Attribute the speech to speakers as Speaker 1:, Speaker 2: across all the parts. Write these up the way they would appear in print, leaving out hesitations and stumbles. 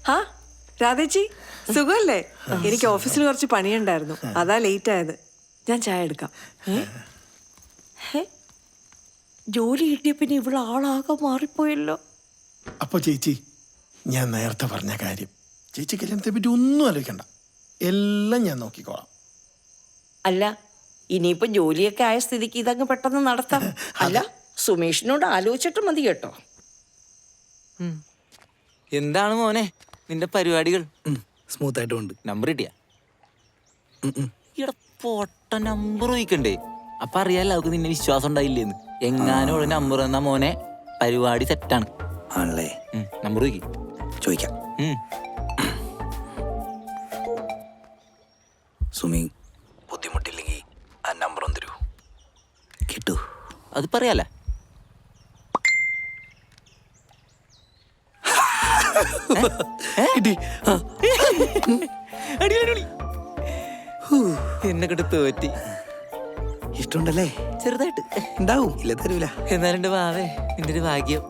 Speaker 1: ഹാ രാധേച്ചി സുഖല്ലേ? എനിക്ക് ഓഫീസിൽ കുറച്ച് പണിയുണ്ടായിരുന്നു, അതാ ലേറ്റ് ആയത്. ഞാൻ ചായ എടുക്കാം. ജോലി കിട്ടിയ പിന്നെ ഇവിടെ ആളാകെ മാറിപ്പോയല്ലോ.
Speaker 2: അപ്പൊ ചേച്ചി, ഞാൻ നേരത്തെ പറഞ്ഞ കാര്യം, ചേച്ചി കല്യാണത്തെ പറ്റി ഒന്നും ആലോചിക്കണ്ട, എല്ലാം ഞാൻ നോക്കിക്കോളാം.
Speaker 3: അല്ല, ഇനിയിപ്പോ ജോലിയൊക്കെ ആയ സ്ഥിതിക്ക് ഇതങ്ങ് പെട്ടെന്ന് നടത്താം. അല്ല, സുമേഷിനോട് ആലോചിച്ചിട്ട് മതി കേട്ടോ.
Speaker 4: എന്താണ് മോനെ നിന്റെ പരിപാടികൾ?
Speaker 5: സ്മൂത്ത് ആയിട്ട് ഉണ്ട്.
Speaker 4: നമ്പർ കിട്ടിയ ഇവിടെ പൊട്ട നമ്പർ ചോദിക്കണ്ടേ? അപ്പൊ അറിയാലോ അവർക്ക് നിന്നെ വിശ്വാസം ഉണ്ടായില്ലേന്ന്. എങ്ങാനും ഉള്ള നമ്പർ തന്നാ മോനെ പരിപാടി സെറ്റാണ്.
Speaker 5: ആണല്ലേ?
Speaker 4: നമ്പർ
Speaker 5: ചോദിക്കാം. സുമി, ബുദ്ധിമുട്ടില്ലെങ്കിൽ ആ നമ്പർ ഒന്ന് തരൂ. കിട്ടൂ?
Speaker 4: അത് പറയാലേ. എന്നെ കിട്ട് തോറ്റി.
Speaker 5: ഇഷ്ടമുണ്ടല്ലേ?
Speaker 4: ചെറുതായിട്ട്
Speaker 5: ഉണ്ടാവും, ഇല്ല തരൂല.
Speaker 4: എന്നാലുണ്ട് വാവേ, നിന്റെ ഒരു ഭാഗ്യം.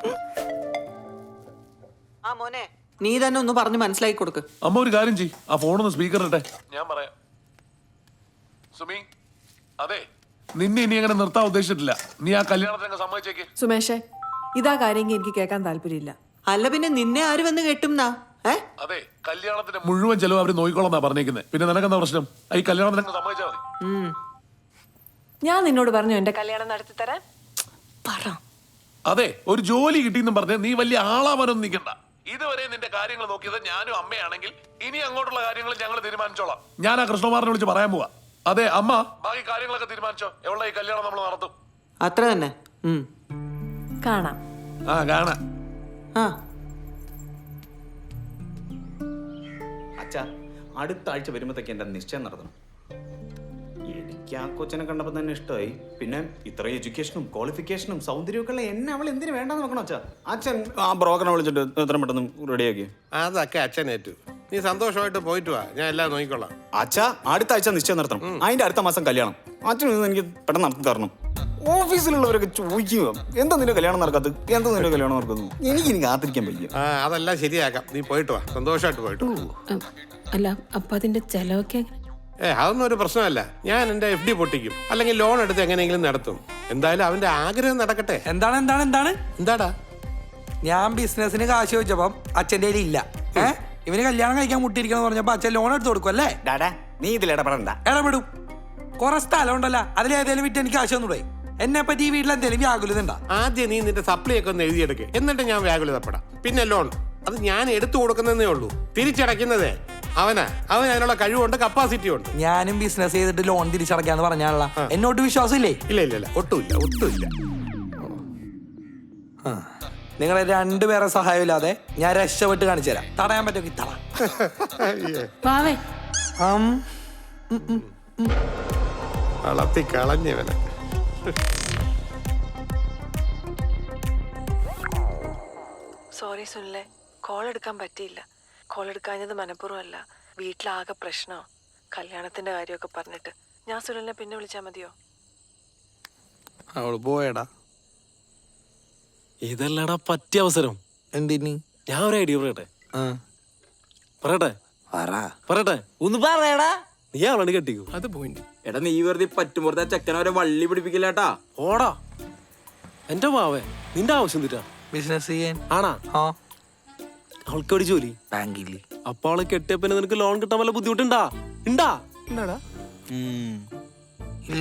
Speaker 1: ആ മോനെ, നീ തന്നെ ഒന്ന് പറഞ്ഞ് മനസ്സിലാക്കി കൊടുക്ക്.
Speaker 6: അമ്മ ഒരു കാര്യം ചെയ്, ആ ഫോണൊന്ന് സ്പീക്കർ ഇട്ടെ, ഞാൻ പറയാം. സുമി, അതെ, നിന്നെ ഇനി അങ്ങനെ നിർത്താൻ ഉദ്ദേശിച്ചിട്ടില്ല. നീ ആ കല്യാണത്തിനൊക്കെ സമ്മതിച്ചേക്ക്.
Speaker 1: സുമേഷേ, ഇതാ കാര്യമെങ്കിൽ എനിക്ക് കേൾക്കാൻ താല്പര്യമില്ല. അല്ല പിന്നെ നിന്നെ ആര് വന്ന് കെട്ടുംന്നാ?
Speaker 6: അതെ, കല്യാണത്തിന്റെ മുഴുവൻ ചെലവ് അവര് നോക്കിക്കോളാന്നാ പറഞ്ഞേക്കുന്നത്. പിന്നെ നിനക്കെന്താ പ്രശ്നം? ഈ കല്യാണത്തിനൊക്കെ സമ്മതിച്ചാൽ മതി.
Speaker 1: ഞാൻ നിന്നോട് പറഞ്ഞു എന്റെ കല്യാണം നടത്തി തരാൻ.
Speaker 6: അതെ, ഒരു ജോലി കിട്ടിയെന്നും പറഞ്ഞ് നീ വലിയ ആളാവാനൊന്നും നിൽക്കണ്ട. ഇതുവരെ നിന്റെ കാര്യങ്ങൾ നോക്കിയത് ഞാനും അമ്മയാണെങ്കിൽ ഇനി അങ്ങോട്ടുള്ള കാര്യങ്ങൾ ഞങ്ങൾ തീരുമാനിച്ചോളാം. ഞാൻ ആ കൃഷ്ണകുമാറിനെ വിളിച്ച് പറയാൻ പോവാ. അതെ അമ്മ, ബാക്കി കാര്യങ്ങളൊക്കെ തീരുമാനിച്ചോ. എവിടെ ഈ കല്യാണം നമ്മൾ നടത്തും.
Speaker 1: അത്ര തന്നെ. കാണാം.
Speaker 6: കാണാം.
Speaker 7: അച്ഛാ, അടുത്ത ആഴ്ച വരുമ്പോഴത്തേക്ക് എൻ്റെ നിശ്ചയം നടത്തണം. എനിക്ക് ആ കൊച്ചിനെ കണ്ടപ്പോൾ തന്നെ ഇഷ്ടമായി. പിന്നെ ഇത്ര എഡ്യൂക്കേഷനും ക്വാളിഫിക്കേഷനും സൗന്ദര്യമൊക്കെ ഉള്ള എന്നെ അവൾ എന്തിനു വേണ്ടെന്ന് നോക്കണം അച്ഛാ. അച്ഛൻ ആ ബ്രോക്കറിനെ വിളിച്ചിട്ട് എത്ര പെട്ടെന്ന് റെഡിയാക്കി.
Speaker 8: അതൊക്കെ അച്ഛനേറ്റു. നീ സന്തോഷമായിട്ട് പോയിട്ട് വാ, ഞാൻ എല്ലാം നോക്കിക്കൊള്ളാം.
Speaker 7: അച്ഛാ, അടുത്ത ആഴ്ച നിശ്ചയം നടത്തണം. അതിന്റെ അടുത്ത മാസം കല്യാണം. അച്ഛൻ എനിക്ക് പെട്ടെന്ന് നടത്തി തരണം. ഓഫീസിലുള്ളവരൊക്കെ ചോദിക്കുക, എന്താ നിന്റെ കല്യാണം നടക്കാത്തത്, എന്താ നിന്റെ കല്യാണം നടക്കുന്നത്. എനിക്ക് കാത്തിരിക്കാൻ പറ്റില്ല.
Speaker 8: അതെല്ലാം ശരിയാക്കാം, നീ പോയിട്ട് വാ, സന്തോഷമായിട്ട് പോയിട്ട്.
Speaker 3: അല്ല, അപ്പൊ അതിന്റെ ചെലവൊക്കെ
Speaker 8: അതൊന്നും ഒരു പ്രശ്നമല്ല. ഞാൻ എന്റെ FD പൊട്ടിക്കും, അല്ലെങ്കിൽ ലോൺ എടുത്ത് എങ്ങനെയെങ്കിലും നടത്തും. എന്തായാലും അവന്റെ ആഗ്രഹം നടക്കട്ടെ.
Speaker 9: എന്താടാ? ഞാൻ ബിസിനസിന് കാശ് ചോദിച്ചപ്പം അച്ഛൻ്റെ കയ്യിൽ ഇല്ല. ഇവന് കല്യാണം കഴിക്കാൻ മുട്ടിയിരിക്കണം പറഞ്ഞപ്പോ അച്ഛൻ ലോൺ എടുത്ത് കൊടുക്കും അല്ലേ?
Speaker 7: ഡാഡാ, നീ ഇതിൽ ഇടപെടണ്ട.
Speaker 9: ഇടപെടും. കുറെ സ്ഥലം ഉണ്ടല്ലോ, അതിലേതെങ്കിലും വിറ്റ് എനിക്ക് കാശ് ഒന്നുകൂടെ. എന്നെ പറ്റി ഈ വീട്ടിൽ എന്തെങ്കിലും വ്യാകുലത ഉണ്ടാ?
Speaker 8: ആദ്യം നീ നിന്റെ സപ്ലൈ ഒക്കെ ഒന്ന് എഴുതിയെടുക്ക്, എന്നിട്ട് ഞാൻ വ്യാകുലതപ്പെടാം. പിന്നെ ലോൺ അത് ഞാൻ എടുത്തു കൊടുക്കുന്നതേ ഉള്ളൂ, തിരിച്ചടയ്ക്കുന്നതേ അവൻ അതിനുള്ള കഴിവുണ്ട്, കപ്പാസിറ്റി ഉണ്ട്.
Speaker 9: ഞാനും ബിസിനസ് ചെയ്തിട്ട് ലോൺ തിരിച്ചടക്കാന്ന് പറഞ്ഞാലുള്ള എന്നോട്ട് വിശ്വാസം ഇല്ലേ?
Speaker 8: ഇല്ല, ഒട്ടുമില്ല.
Speaker 9: നിങ്ങളെ രണ്ടുപേരെ സഹായം ഇല്ലാതെ ഞാൻ രക്ഷപ്പെട്ട് കാണിച്ചു തരാം. തടയാൻ പറ്റുമെങ്കിൽ
Speaker 8: വളർത്തി കളഞ്ഞവനെ.
Speaker 1: സോറി സുനിലെ, കോൾ എടുക്കാൻ പറ്റിയില്ല. കോൾ എടുക്കാഞ്ഞത് മനഃപൂർവ്വമല്ല, വീട്ടിലാകെ പ്രശ്നമോ, കല്യാണത്തിന്റെ കാര്യമൊക്കെ പറഞ്ഞിട്ട്. ഞാൻ സുനിലിനെ പിന്നെ വിളിച്ചാൽ മതിയോ?
Speaker 5: അവള് പോയടാ. ഇതല്ലടാ പറ്റിയ അവസരം.
Speaker 9: എന്തിന്?
Speaker 5: ഞാൻ ഒരു ഐഡിയ പറയട്ടെ.
Speaker 4: ഒന്ന് പറയടാ.
Speaker 5: നീ അവളാണ് കെട്ടിക്കോ. അത് പോയിന്റ്.
Speaker 4: എടാ, നീ വെറുതെ പറ്റുമ്പോഴത്തെ ചെക്കനവരെ വള്ളി പിടിപ്പിക്കില്ലാട്ടാ.
Speaker 5: ഓടാ എന്റെ മാവേ, നിന്റെ ആവശ്യം തീറ്റാ
Speaker 9: ബിസിനസ് ചെയ്യാൻ
Speaker 5: ആണാ? അവൾക്ക് ഒരു ജോലി
Speaker 9: ബാങ്കിൽ.
Speaker 5: അപ്പൊ അവളെ കെട്ടിയപ്പോ നിനക്ക് ലോൺ കിട്ടാൻ വല്ല ബുദ്ധിമുട്ടുണ്ടാ? ഉണ്ടാടാ?
Speaker 9: ഇല്ല.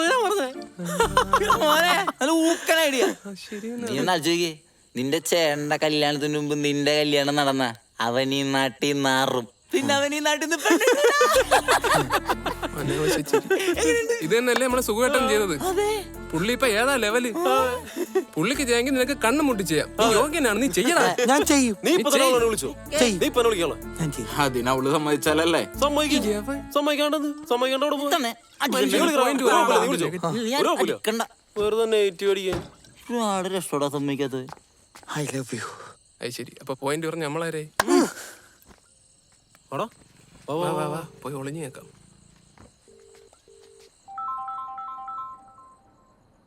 Speaker 4: ഐഡിയ. നീ ഒന്ന് ആലോചിക്കേ, നിന്റെ ചേട്ടന്റെ കല്യാണത്തിന് മുമ്പ് നിന്റെ കല്യാണം നടന്ന അവൻ ഈ നാട്ടിൽ നാറും, പിന്നെ അവൻ ഈ നാട്ടിൽ
Speaker 10: ഇത് തന്നെയല്ലേ നമ്മളെ സുഖമായിട്ടും ചെയ്തത്. പുള്ളി ഇപ്പൊ ഏതാ ലെവല്. പുള്ളിക്ക് ചെയ്യാമെങ്കിൽ നിനക്ക് കണ്ണു മുട്ടി ചെയ്യാം. യോഗ്യനാണ്, നീ ചെയ്യണം.
Speaker 9: ഞാൻ ചെയ്യും.
Speaker 5: വിളിച്ചോ?
Speaker 4: അതിനവള് സമ്മതിച്ചാലല്ലേ? ഒരുപാട് രക്ഷോടാ സമ്മതിക്കാത്തത്.
Speaker 9: I love you.
Speaker 10: അത് ശരി, അപ്പൊ പോയിന്റ് പറഞ്ഞ നമ്മളാരേ? പോയി ഒളിഞ്ഞു കേൾക്കാം.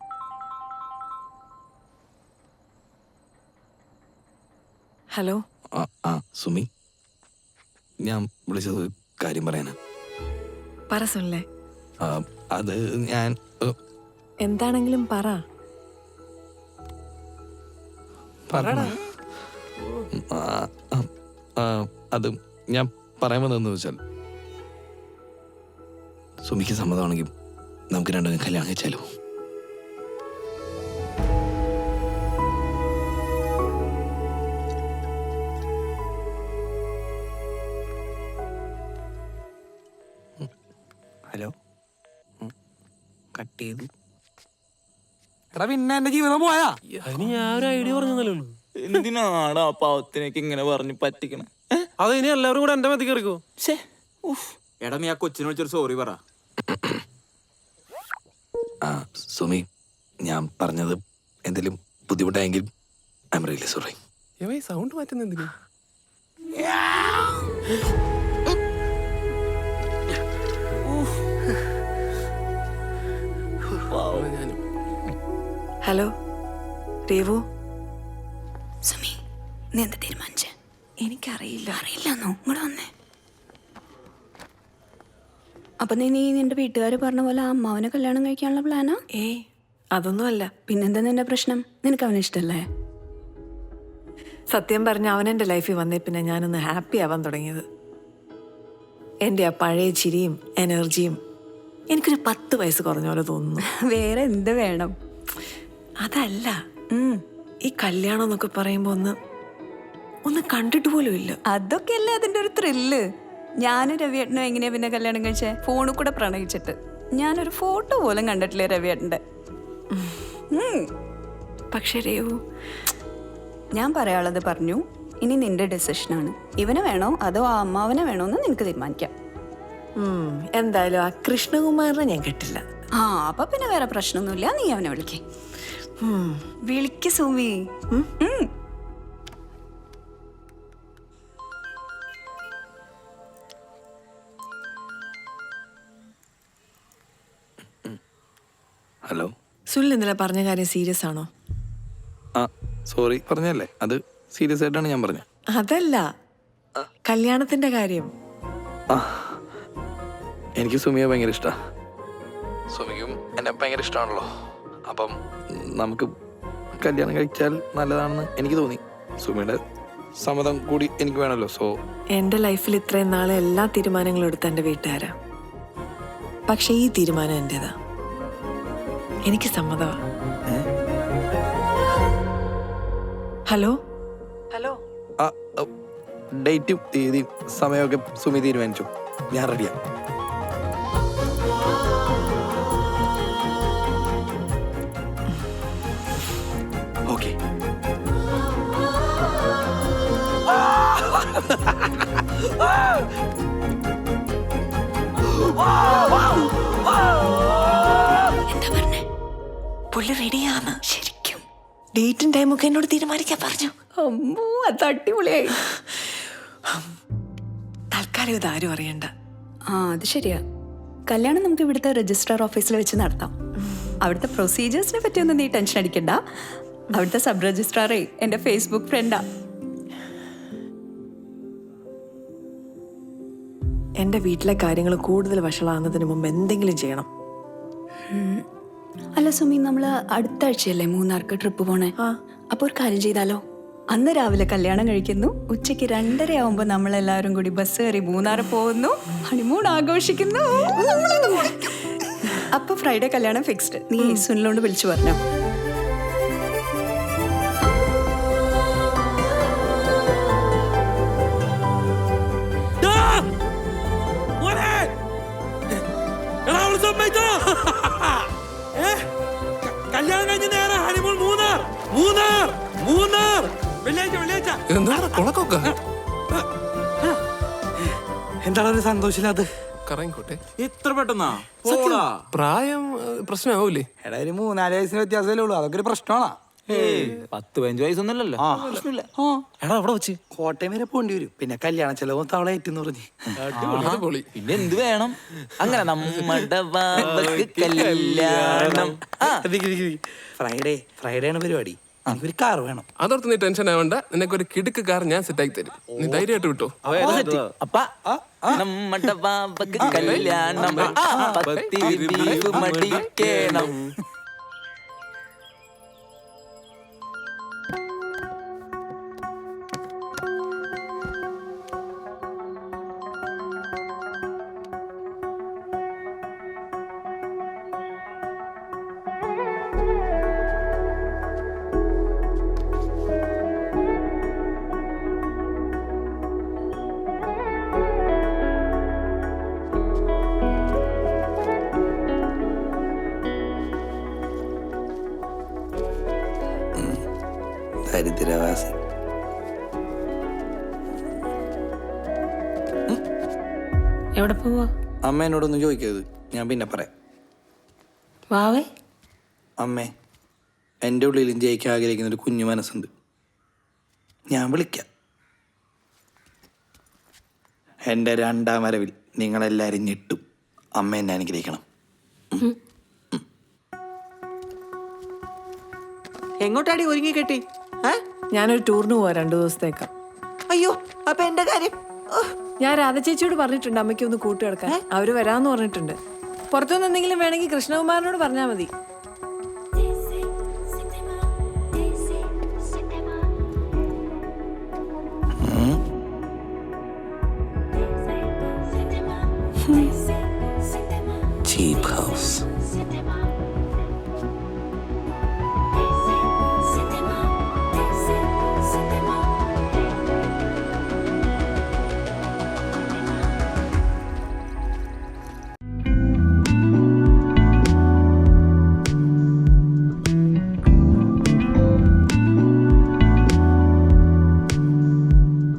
Speaker 1: ഹലോ.
Speaker 9: സുമി, ഞാൻ വിളിച്ചത് കാര്യം പറയാനാ.
Speaker 1: പറ സുനിലെ.
Speaker 9: അത് ഞാൻ
Speaker 1: എന്താണെങ്കിലും പറ.
Speaker 9: അത് ഞാൻ പറയാൻ വന്നതെന്ന് വെച്ചാൽ, സുമിക്ക് സമ്മതമാണെങ്കിൽ നമുക്ക് രണ്ടും കല്യാണം കഴിച്ചാലോ?
Speaker 5: ഹലോ, കട്ട് ചെയ്തു. എടാ പിന്നെ എന്റെ ജീവിതം പോയാ?
Speaker 10: അതിന് ഞാൻ ഒരു ഐഡിയ പറഞ്ഞതല്ലേ ഉള്ളൂ.
Speaker 4: എന്തിനാണ് ആ പാവത്തിനേക്ക് ഇങ്ങനെ പറഞ്ഞ് പറ്റിക്കണേ?
Speaker 10: അത് ഇനി എല്ലാവരും കൂടെ എന്റെ മതി കയറിക്കോ.
Speaker 7: എടാ നീ ആ കൊച്ചിനെ വിളിച്ചൊരു സോറി പറ.
Speaker 9: സുമി, ഞാൻ പറഞ്ഞത് എന്തെങ്കിലും ബുദ്ധിമുട്ടായെങ്കിൽ I'm really sorry.
Speaker 10: Sound മാറ്റുന്ന എന്തിനാ?
Speaker 1: ഹലോ രേവു.
Speaker 11: സുമി, നീ എന്താ തീരുമാനിച്ചേ?
Speaker 1: എനിക്കറിയില്ല.
Speaker 11: അറിയില്ലെന്നോ? ഇങ്ങോട്ട് വന്നേ. അപ്പൊ നീ നിന്റെ വീട്ടുകാർ പറഞ്ഞ പോലെ ആ അമ്മാവനെ കല്യാണം കഴിക്കാനുള്ള പ്ലാനാ?
Speaker 1: ഏയ് അതൊന്നുമല്ല.
Speaker 11: പിന്നെന്താ നിന്റെ പ്രശ്നം? നിനക്ക് അവനെ ഇഷ്ടല്ലേ?
Speaker 1: സത്യം പറഞ്ഞ അവനെൻ്റെ ലൈഫിൽ വന്നേ പിന്നെ ഞാനൊന്ന് ഹാപ്പി ആവാൻ തുടങ്ങിയത്. എൻ്റെ ആ പഴയ ചിരിയും എനർജിയും എനിക്കൊരു 10 വയസ്സ് കുറഞ്ഞ പോലെ തോന്നുന്നു.
Speaker 11: വേറെ എന്ത് വേണം?
Speaker 1: അതല്ല, ഈ കല്യാണം എന്നൊക്കെ പറയുമ്പോൾ ഒന്ന് കണ്ടിട്ട് പോലും ഇല്ല.
Speaker 11: അതൊക്കെയല്ലേ അതിന്റെ ഒരു ത്രില്ല്. ഞാനും രവിയേട്ടനും എങ്ങനെയാ പിന്നെ കല്യാണം കഴിച്ചേ? ഫോണിൽ കൂടെ പ്രണയിച്ചിട്ട്. ഞാനൊരു ഫോട്ടോ പോലും കണ്ടിട്ടില്ലേ രവിയേട്ടൻ്റെ.
Speaker 1: പക്ഷേ രേവു,
Speaker 11: ഞാൻ പറയാനുള്ളത് പറഞ്ഞു. ഇനി നിന്റെ ഡെസിഷനാണ്. ഇവനെ വേണോ അതോ ആ അമ്മാവനെ വേണോ എന്ന് നിനക്ക് തീരുമാനിക്കാം.
Speaker 1: എന്തായാലും ആ കൃഷ്ണകുമാറിനെ ഞാൻ കിട്ടില്ല.
Speaker 11: അപ്പൊ പിന്നെ വേറെ പ്രശ്നമൊന്നുമില്ല. നീ അവനെ വിളിക്കേ. വിളിക്ക് സുമി.
Speaker 9: ഹലോ
Speaker 1: സുനിൽ ഇന്നലെ പറഞ്ഞ കാര്യം സീരിയസ് ആണോ?
Speaker 9: സോറി പറഞ്ഞല്ലേ, അത് സീരിയസ് ആയിട്ടാണ് ഞാൻ പറഞ്ഞത്.
Speaker 1: അതല്ല, കല്യാണത്തിന്റെ കാര്യം.
Speaker 9: എനിക്ക് സുമിയെ ഭയങ്കര ഇഷ്ടമാണ്. സുമിക്കും എന്നെ ഭയങ്കര ഇഷ്ടമാണല്ലോ. അപ്പം നമുക്ക് കല്യാണം കഴിച്ചാൽ നല്ലതാണെന്ന് എനിക്ക് തോന്നി. സുമിയുടെ സമ്മതം കൂടി എനിക്ക് വേണമല്ലോ. സോ
Speaker 1: എൻ്റെ ലൈഫിൽ ഇത്രയും നാളെ എല്ലാ തീരുമാനങ്ങളും എടുത്ത എൻ്റെ വീട്ടുകാരാ. പക്ഷെ ഈ തീരുമാനം എൻ്റെതാ. എനിക്ക് സമ്മതമാ. ഹലോ ഹലോ,
Speaker 9: ഡേറ്റും തീയതിയും സമയമൊക്കെ സുമി തീരുമാനിച്ചു. ഞാൻ റെഡിയാണ്. ഓക്കെ.
Speaker 11: എന്താ പറഞ്ഞേ?
Speaker 1: പുള്ളി റെഡിയാണ്.
Speaker 11: ശരിക്കും
Speaker 1: ഡേറ്റും ടൈമൊക്കെ എന്നോട് തീരുമാനിക്കാൻ പറഞ്ഞു.
Speaker 11: അമ്മോ, അത് അടിപൊളിയായി.
Speaker 1: തൽക്കാലം ഇതാരും അറിയണ്ട.
Speaker 11: അത് ശരിയാ. കല്യാണം നമുക്ക് ഇവിടുത്തെ രജിസ്ട്രാർ ഓഫീസിൽ വെച്ച് നടത്താം. അവിടുത്തെ പ്രൊസീജിയേഴ്സിനെ പറ്റിയൊന്നും നീ ടെൻഷൻ അടിക്കണ്ട. അവിടുത്തെ സബ് രജിസ്ട്രാറേ എൻ്റെ ഫേസ്ബുക്ക് ഫ്രണ്ടാ.
Speaker 1: എൻ്റെ വീട്ടിലെ കാര്യങ്ങൾ കൂടുതൽ വഷളാകുന്നതിന് മുമ്പ് എന്തെങ്കിലും ചെയ്യണം.
Speaker 11: അല്ല സുമി, നമ്മൾ അടുത്ത ആഴ്ചയല്ലേ മൂന്നാർക്ക് ട്രിപ്പ് പോണേ? അപ്പോൾ ഒരു കാര്യം ചെയ്താലോ? അന്ന് രാവിലെ കല്യാണം കഴിക്കുന്നു, ഉച്ചയ്ക്ക് 2:30 ആവുമ്പോൾ നമ്മളെല്ലാവരും കൂടി ബസ് കയറി മൂന്നാർ പോകുന്നു, ഹണിമൂൺ ആഘോഷിക്കുന്നു. അപ്പൊ ഫ്രൈഡേ കല്യാണം ഫിക്സ്ഡ്. നീ സുനിലോണ്ട് വിളിച്ചു പറഞ്ഞോ.
Speaker 9: കല്യാണം കഴിഞ്ഞ നേരെ ഹണിമൂൺ മൂന്നാർ. മൂന്നാർ മൂന്നാർ
Speaker 10: എന്താണ് കൊളക്കൊക്കെ?
Speaker 9: എന്താണ് ഒരു സന്തോഷമില്ലാത്ത?
Speaker 10: കറങ്ങിക്കോട്ടെ.
Speaker 7: ഇത്ര പെട്ടെന്നാ?
Speaker 10: പ്രായം പ്രശ്നമാവൂലേ?
Speaker 9: എടാ, ഒരു 3-4 വയസ്സിന് വ്യത്യാസമല്ലേ ഉള്ളൂ. അതൊക്കെ ഒരു പ്രശ്നമാണോ?
Speaker 7: 10-15 വയസ്സൊന്നുമല്ലല്ലോ.
Speaker 9: എടാ, അവിടെ വെച്ച് കോട്ടയം വരെ പോകേണ്ടി വരും. പിന്നെ കല്യാണ ചെലവും തവള ഏറ്റെന്ന് പറഞ്ഞ്.
Speaker 10: അടിപൊളി.
Speaker 4: പിന്നെ എന്ത് വേണം? അങ്ങനെ നമ്മുടെ ബാബക്ക് കല്യാണം.
Speaker 9: ഫ്രൈഡേ ആണ് പരിപാടി.
Speaker 4: ഒരു കാർ വേണം.
Speaker 10: അതോർത്ത് നീ ടെൻഷൻ ആവണ്ട, നിനക്ക് ഒരു കിടുക്ക് കാർ ഞാൻ സെറ്റാക്കി തരും. നീ ധൈര്യമായിട്ട് വിട്ടോ.
Speaker 4: അപ്പ നമ്മടെ ബാബക്ക് കല്യാണം, പത്തിരി ബീഫ് മടിക്കണം. ദരിദ്രവാസി.
Speaker 3: എവിടെ പോവാ?
Speaker 9: അമ്മ എന്നോടൊന്നും ചോദിക്കരുത്, ഞാൻ പിന്നെ പറയാം.
Speaker 3: വാവേ,
Speaker 9: അമ്മേ, എൻ്റെ ഉള്ളിലും ജയിക്കാൻ ആഗ്രഹിക്കുന്ന ഒരു കുഞ്ഞു മനസ്സുണ്ട്. ഞാൻ വിളിക്കാം. എൻ്റെ രണ്ടാം വരവിൽ നിങ്ങളെല്ലാവരും ഞെട്ടും. അമ്മ എന്നെ അനുഗ്രഹിക്കണം.
Speaker 3: എങ്ങോട്ടാടി ഒരുങ്ങി കെട്ടി?
Speaker 1: ഞാനൊരു ടൂറിന് പോവാ 2 ദിവസത്തേക്ക്.
Speaker 3: അയ്യോ, അപ്പൊ എന്റെ കാര്യം?
Speaker 1: ഞാൻ രാധ ചേച്ചിയോട് പറഞ്ഞിട്ടുണ്ട് അമ്മയ്ക്ക് ഒന്ന് കൂട്ടുകിടക്കാൻ. അവര് വരാന്ന് പറഞ്ഞിട്ടുണ്ട്. പുറത്തുനിന്ന് എന്തെങ്കിലും വേണമെങ്കിൽ കൃഷ്ണകുമാരനോട് പറഞ്ഞാൽ മതി.
Speaker 4: Cheap house.